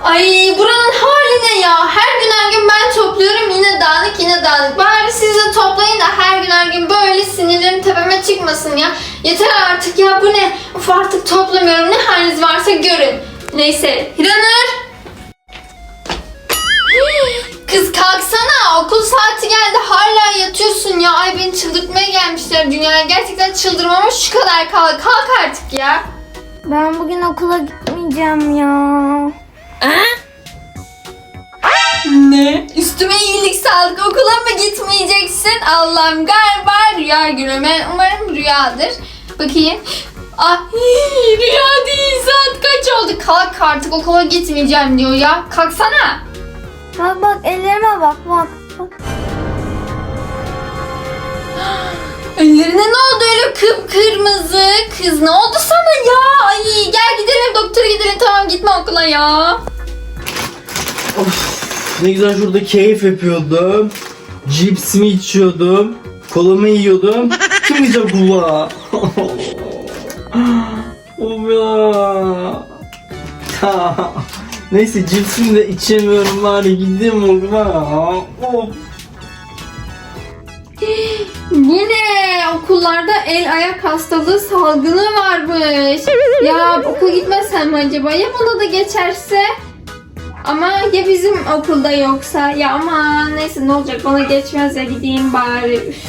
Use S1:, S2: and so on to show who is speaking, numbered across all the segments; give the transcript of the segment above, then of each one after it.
S1: Ay buranın hali ne ya? Her gün ben topluyorum yine dağınık yine dağınık. Bari siz de toplayın da her gün böyle sinirlerim tepeme çıkmasın ya. Yeter artık ya, bu ne? Of artık toplamıyorum, ne haliniz varsa görün. Neyse Hiranur. Kız kalksana, okul saati geldi hala yatıyorsun ya. Ay beni çıldırtmaya gelmişler dünyaya. Gerçekten çıldırmamış şu kadar kalk artık ya.
S2: Ben bugün okula gitmeyeceğim ya.
S1: Ne? Üstüme iyilik sağlık, okula mı gitmeyeceksin? Allah'ım galiba rüya günü. Umarım rüyadır. Bakayım. Ah rüya değil, saat kaç oldu? Kalk artık, okula gitmeyeceğim diyor ya. Kalksana.
S2: Bak ellerime bak.
S1: Ellerine ne oldu öyle kıpkırmızı? Kız ne oldu sana ya? Ay gel gidelim doktora gidelim, tamam gitme okula ya.
S3: Of, ne güzel şurada keyif yapıyordum. Cipsimi içiyordum. Kolamı yiyordum. Kim gidecek okula? Of ya. Neyse cipsimi de içemiyorum, bari gideyim okula. Of.
S1: Yine okullarda el ayak hastalığı salgını varmış. Ya okula gitmesem mi acaba? Ya bana da geçerse? Ama ya bizim okulda yoksa? Ya aman neyse, ne olacak, bana geçmez ya, gideyim bari. Üf.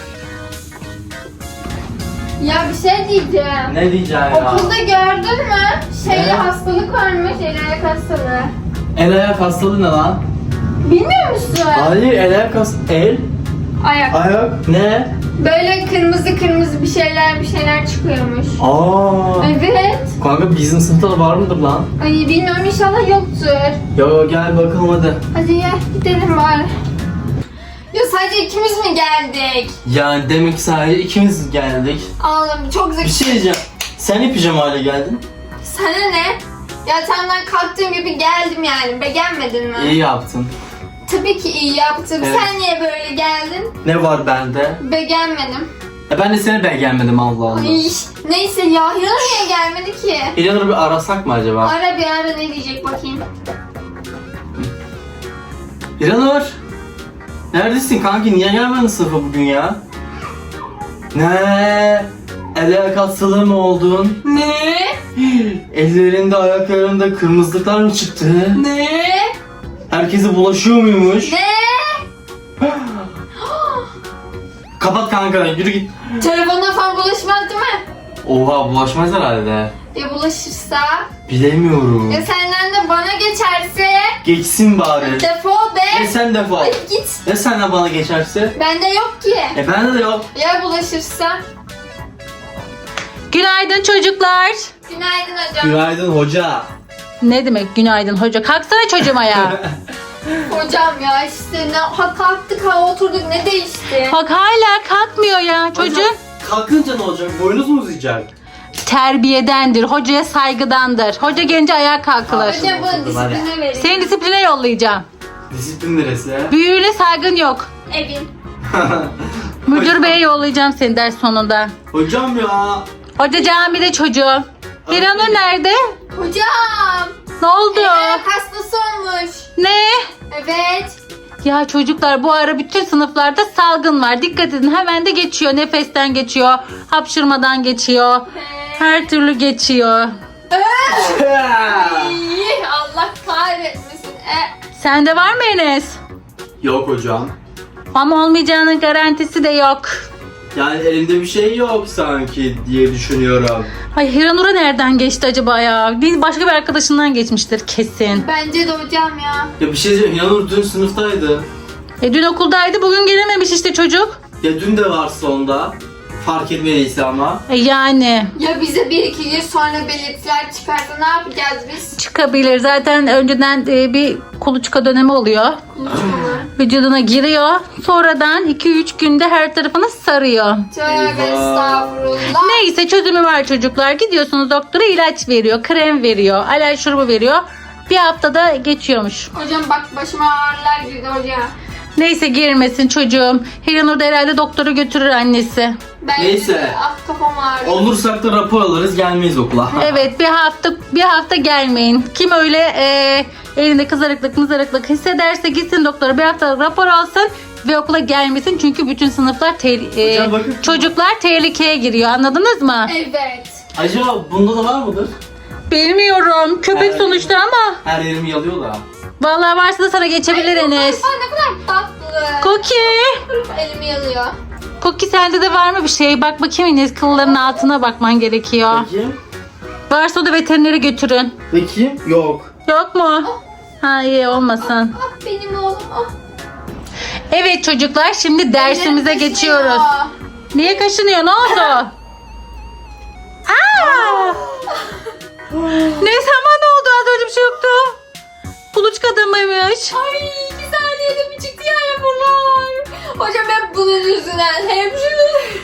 S1: Ya bir şey diyeceğim.
S3: Ne diyeceğim ya?
S1: Okulda gördün mü?
S3: Ne?
S1: Hastalık varmış, el ayak hastalığı.
S3: El ayak hastalığı ne lan?
S1: Bilmiyor musun?
S3: Hayır, el ayak hastalığı. El?
S1: Ayak.
S3: Ayak? Ne?
S1: Böyle kırmızı bir şeyler çıkıyormuş.
S3: Aa.
S1: Evet.
S3: Kanka bizim sınıfta da var mıdır lan?
S1: Ay bilmiyorum, inşallah yoktur.
S3: Ya gel bakalım hadi.
S1: Hadi ya gidelim bari. Ya sadece ikimiz mi geldik?
S3: Yani demek ki sadece ikimiz geldik.
S1: Ağlam çok
S3: Bir
S1: zeki.
S3: şey diyeceğim. Sen ne pijama geldin?
S1: Sana ne? Yatağımdan kalktığım gibi geldim yani. Beğenmedin mi?
S3: İyi yaptın.
S1: Tabii ki iyi yaptım.
S3: Evet.
S1: Sen niye böyle geldin?
S3: Ne var bende?
S1: Beğenmedim.
S3: Ben de seni beğenmedim, Allah Allah.
S1: Ay, neyse ya. Hiranur niye gelmedi ki?
S3: İlhanur'u bir arasak mı acaba?
S1: Ara bir ara, ne diyecek bakayım.
S3: İlhanur! Neredesin kanki? Niye gelmedin sınıfa bugün ya? Ne? El ayak hastalığı mı oldun?
S1: Ne?
S3: Ellerinde ayaklarında kırmızılıklar mı çıktı?
S1: Ne?
S3: Herkese bulaşıyor muymuş?
S1: Ne?
S3: Kapat kanka, yürü git.
S1: Telefonla falan bulaşmaz değil mi?
S3: Oha, bulaşmaz herhalde.
S1: Ya bulaşırsa?
S3: Bilemiyorum.
S1: Ya senden de bana geçerse?
S3: Geçsin bari.
S1: Defol be.
S3: Sen defol.
S1: Ay git.
S3: Ya senden bana geçerse?
S1: Bende yok ki.
S3: Bende de yok.
S1: Ya bulaşırsa?
S4: Günaydın çocuklar.
S1: Günaydın hocam.
S3: Günaydın hoca.
S4: Ne demek günaydın hoca? Kalksana çocuğum ayağa.
S1: Hocam ya işte kalktık oturduk, ne değişti?
S4: Bak hala kalkmıyor ya çocuk.
S3: Kalkınca ne olacak? Boynuz mu uzayacak?
S4: Terbiyedendir, hocaya saygıdandır. Hoca gelince ayağa kalkılır.
S1: Hocam bunu disipline verin.
S4: Seni disipline yollayacağım.
S3: Disiplin neresi ya?
S4: Büyüğüne saygın yok.
S1: Evin.
S4: Müdür beye yollayacağım seni ders sonunda.
S3: Hocam ya.
S4: Hoca camide çocuğum. Hiranur nerede?
S1: Hocam.
S4: Ne oldu?
S1: Hastası olmuş.
S4: Ne?
S1: Evet.
S4: Ya çocuklar, bu ara bütün sınıflarda salgın var. Dikkat edin, hemen de geçiyor. Nefesten geçiyor. Hapşırmadan geçiyor. Her türlü geçiyor.
S1: İyi, Allah kahretmesin.
S4: Sende var mı Enes?
S3: Yok hocam.
S4: Ama olmayacağının garantisi de yok.
S3: Yani elimde bir şey yok sanki diye düşünüyorum.
S4: Ay Hiranur'a nereden geçti acaba ya? Başka bir arkadaşından geçmiştir kesin.
S1: Bence de hocam ya.
S3: Ya bir şey diyeceğim. Yanur dün sınıftaydı.
S4: Dün okuldaydı, bugün gelememiş işte çocuk.
S3: Ya dün de var sonda. Fark etmediyse ama.
S4: Yani
S1: Ya bize 1-2 gün sonra belirtiler çıkarsa ne yapacağız biz?
S4: çıkabilir. Zaten önceden bir kuluçka dönemi oluyor. Vücuduna giriyor. Sonradan 2-3 günde her tarafını sarıyor.
S1: Tövbe estağfurullah.
S4: Neyse, çözümü var çocuklar. Gidiyorsunuz doktora, ilaç veriyor, krem veriyor, alerji şurubu veriyor. Bir haftada geçiyormuş.
S1: Hocam bak başıma ağrılar girdi hocam.
S4: Neyse, girmesin çocuğum. Hiranur da herhalde doktora götürür annesi.
S1: Ben
S3: Neyse.
S1: kafam ağrıyor.
S3: Olursak da rapor alırız, gelmeyiz okula.
S4: Evet, bir hafta gelmeyin. Kim öyle elinde kızarıklık hissederse gitsin doktora, bir haftalık rapor alsın ve okula gelmesin. Çünkü bütün sınıflar
S3: Hocam bakın.
S4: çocuklar tehlikeye giriyor. Anladınız mı?
S1: Evet.
S3: Acaba bunda da var mıdır?
S4: Bilmiyorum. Köpek
S3: Evet.
S4: sonuçta ama.
S3: Her yerimi yalıyor da.
S4: Vallahi varsa da sana geçebilir Enes.
S1: Ay ne kadar tatlı.
S4: Cookie.
S1: Elimi yalıyor.
S4: Cookie sende de var mı bir şey? Bak bakayım Enes, kılların altına bakman gerekiyor.
S3: Bakayım.
S4: Varsa o da veterinere götürün.
S3: Bakayım. Yok.
S4: Yok mu? Ha iyi olmasın.
S1: Ah benim oğlum. Ah.
S4: Evet çocuklar, şimdi dersimize
S1: Ellerim
S4: geçiyoruz.
S1: kaşınıyor.
S4: Niye kaşınıyor? Ne oldu? Aa! Ne zaman oldu? Az önce bir şey yoktu. Kuluçka adamıymış.
S1: Ay bir saniyede bir çıktı yani bunlar. Hocam ben bunun yüzünden hemşire.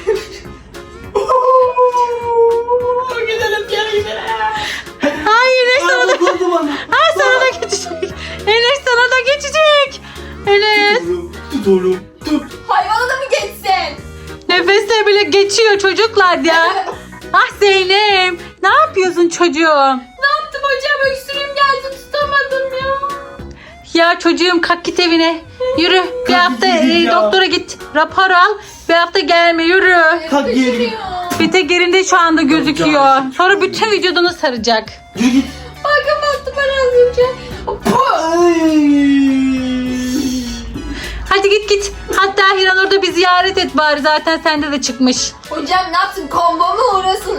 S3: Gidelim gel gidelim.
S4: Hayır Enes sana da...
S3: Dokundu bana.
S4: Ha, sana da geçecek. Enes sana da geçecek. Enes.
S3: Tut oğlum. Tut.
S1: Hayvana da mı geçsin?
S4: Nefesle bile geçiyor çocuklar ya. Ah Zeynep. Ne yapıyorsun çocuğum?
S1: Ne yaptım hocam? Öksürüğüm geldi tutamadım ya.
S4: Ya çocuğum kalk git evine. Yürü. Bir hafta
S3: gideyim ya.
S4: doktora git. Rapor al. Bir hafta gelme yürü.
S3: Kalk geri.
S1: Öksürüyor.
S4: Bir tek yerinde şu anda gözüküyor. Sonra bütün vücudunu saracak.
S3: Yürü git.
S1: Bakın baktım ben az önce.
S4: Hadi git git. Hatta Hiranur'da bir ziyaret et bari. Zaten sende de çıkmış.
S1: Hocam ne yaptın? Kombo mu uğrasın?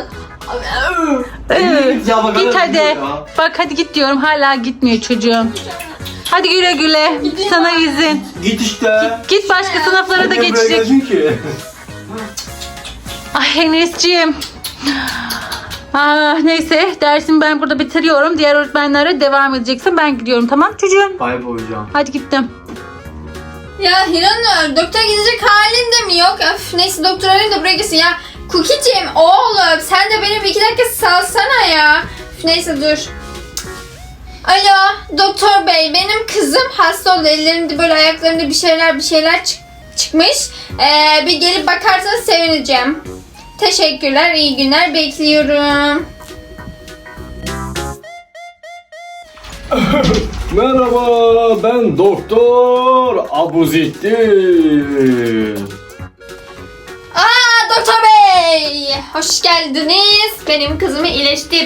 S3: Git ya, bak,
S4: Git
S3: hala
S4: hadi.
S3: gidiyor ya.
S4: Bak hadi git diyorum. Hala gitmiyor çocuğum. Hadi güle güle. Sana izin.
S3: Git işte.
S4: Git başka sınıflara da
S3: Niye buraya
S4: geçecek.
S3: geldin ki?
S4: Ay Enes'ciğim. Neyse dersimi ben burada bitiriyorum. Diğer öğretmenlere devam edeceksin. Ben gidiyorum, tamam çocuğum.
S3: Bay bay hocam.
S4: Hadi gittim.
S1: Ya Hiranur, doktora gidecek halin de mi yok? Öf, neyse doktor arayayım da buraya gitsin ya. Cookie'cim oğlum sen de benim 2 dakika salsana ya. Üf, neyse dur. Alo doktor bey, benim kızım hasta oldu. Ellerinde böyle ayaklarında bir şeyler çıkmış. Bir gelip bakarsanız sevineceğim. Teşekkürler, iyi günler, bekliyorum.
S5: Merhaba, ben Doktor Abuzettin.
S1: Aa doktor bey, hoş geldiniz. Benim kızımı iyileştir.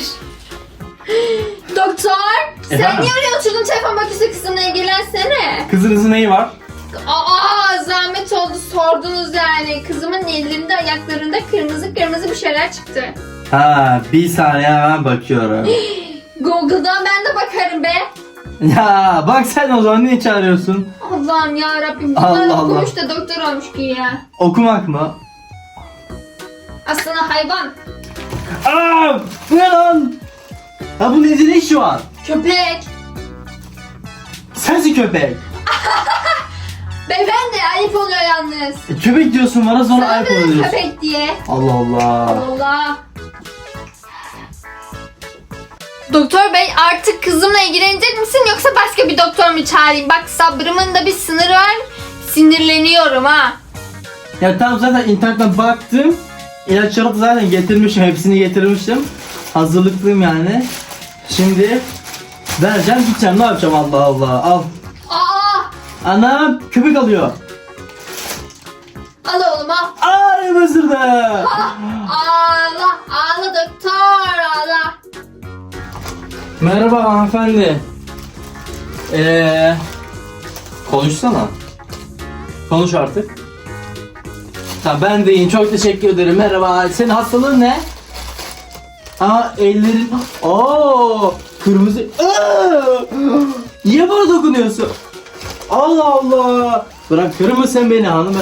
S1: Doktor, sen
S3: Efendim?
S1: niye oraya oturdun? Telefon bakıyorsa kızımla ilgilensene.
S3: Kızınızın neyi var?
S1: Aa zahmet oldu sordunuz yani. Kızımın ellerinde ayaklarında kırmızı bir şeyler çıktı.
S3: Ha, bir saniye hemen bakıyorum.
S1: Google'dan ben de bakarım be.
S3: Ya bak sen o zaman niye çağırıyorsun?
S1: Allah'ım ya Rabbim.
S3: Allah
S1: Bunlar
S3: Allah.
S1: okumuş da doktor olmuş ki ya.
S3: Okumak mı?
S1: Aslında hayvan.
S3: Aa, bu ne lan? Ya bu nedir ne şu an?
S1: Köpek.
S3: Sensin köpek.
S1: Beyefendi ayıp oluyor yalnız.
S3: Köpek diyorsun bana sonra ayıp
S1: Sana
S3: oluyorsun.
S1: köpek diye.
S3: Allah Allah.
S1: Allah. Doktor bey artık kızımla ilgilenecek misin yoksa başka bir doktor mu çağırayım? Bak sabrımın da bir sınırı var. Sinirleniyorum ha.
S3: Ya tamam zaten internetten baktım. İlaçları da zaten getirmişim. Hepsini getirmişim. Hazırlıklıyım yani. Şimdi vereceğim gideceğim. Ne yapacağım Allah Allah. Al.
S1: Aa!
S3: Anam köpek alıyor.
S1: Al oğlum al.
S3: Ay mısırdı.
S1: Ağla. Ağla doktor ağla.
S3: Merhaba hanımefendi. Konuşsana. Konuş artık. Ha ben de iyiyim. Çok teşekkür ederim. Merhaba. Senin hastalığın ne? Aa ellerin. Aa kırmızı. Aa! Niye bana dokunuyorsun? Allah Allah. Bırakır mısın beni hanım?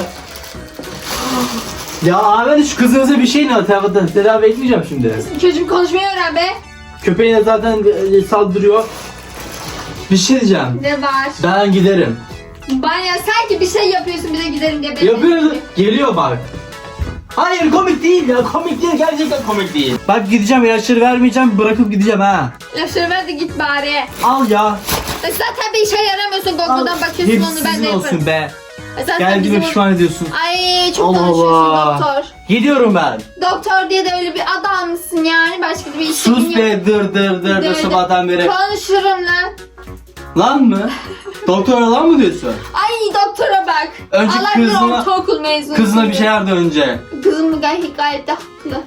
S3: Ya abi şu kızınıza bir şey ne? Tedavi etmeyeceğim şimdi.
S1: Çocuğum konuşmayı öğren be.
S3: Köpeğine zaten saldırıyor. Bir şey diyeceğim.
S1: Ne var?
S3: Ben giderim.
S1: Bana sanki bir şey yapıyorsun bize gidelim diye.
S3: Yapıyorum. Geliyor bak. Hayır komik değil ya. Komik değil. Gerçekten komik değil. Bak gideceğim ilaçları vermeyeceğim. Bırakıp gideceğim ha.
S1: Lafları ver de git bari.
S3: Al ya.
S1: Zaten bir işe yaramıyorsun.
S3: Al.
S1: Google'dan bakıyorsun
S3: Hepsi
S1: onu ben de
S3: sizin
S1: yaparım.
S3: olsun be.
S1: Zaten
S3: Geldiğime
S1: bizim-
S3: pişman ediyorsun.
S1: Ay çok
S3: Allah
S1: konuşuyorsun
S3: Allah.
S1: doktor.
S3: Gidiyorum ben.
S1: Doktor diye de öyle bir adam mısın yani? Başka bir işin
S3: Sus
S1: yok.
S3: be dır dır dır dır sabahtan beri.
S1: Konuşurum lan.
S3: Lan mı? Doktora lan mı diyorsun?
S1: Ay doktora bak.
S3: Önce
S1: Allah bilir
S3: kızına-
S1: ortaokul mezunu.
S3: Kızına bir şey verdi önce.
S1: Kızım gayet de haklı.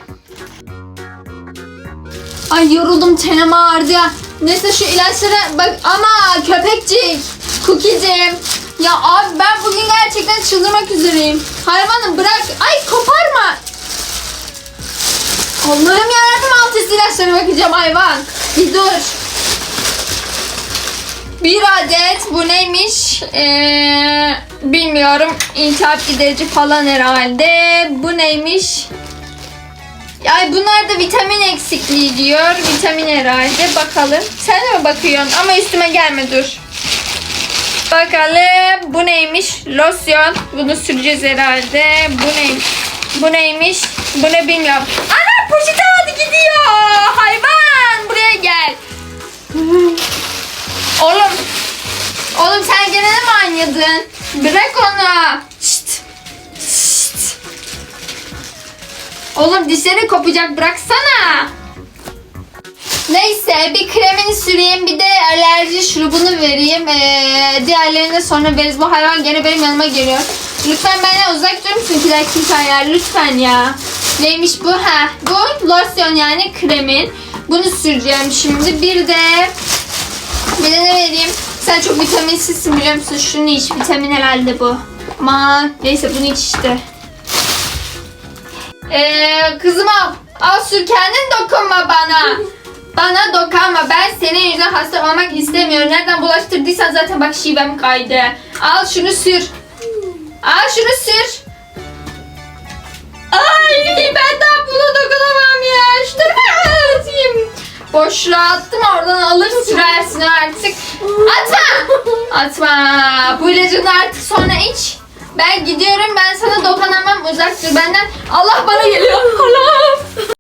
S1: Ay yoruldum, çenem ağrıdı ya. Neyse şu ilaçlara bak ama köpekcik, Cookie'cim. Ya abi ben bugün gerçekten çıldırmak üzereyim. Hayvanım bırak. Ay koparma. Allah'ım yarabbim, alt üst ilaçlara bakacağım hayvan. Bir dur. Bir adet bu neymiş? Bilmiyorum. İltihap giderici falan herhalde. Bu neymiş? Ay bunlar da vitamin eksikliği diyor. Vitamin herhalde. Bakalım. Sen de mi bakıyorsun? Ama üstüme gelme dur. Bakalım. Bu neymiş? Losyon. Bunu süreceğiz herhalde. Bu neymiş? Bu neymiş? Bu ne bilmiyorum. Ana poşeti aldı gidiyor. Hayvan. Buraya gel. Oğlum. Oğlum sen gene de mi oynadın? Bırak onu. Şşt. Şşt. Oğlum dişleri kopacak, bıraksana. Neyse bir kremini süreyim, bir de alerji şurubunu vereyim. Diğerlerini sonra veririz. Bu hayvan gene benim yanıma geliyor. Lütfen benden uzak durur musun ki dakika lütfen ya. Neymiş bu? Ha, bu losyon yani kremin. Bunu süreceğim şimdi. Bir de ne vereyim? Sen çok vitaminsizsin biliyor musun? Şunu iç. Vitamin herhalde bu. Aman neyse bunu iç işte. Kızım al sür, kendin dokunma bana. Bana dokunma. Ben senin yüzünden hasta olmak istemiyorum. Nereden bulaştırdıysan zaten bak şivem kaydı. Al şunu sür. Al şunu sür. Ay ben daha buna dokunamam ya. Şu tarafa atayım. Boşluğa attım, oradan alır sürersin artık. Atma. Atma. Bu ilacını da artık sonra iç. Ben gidiyorum, ben sana dokunamam, uzak dur benden. Allah bana geliyor.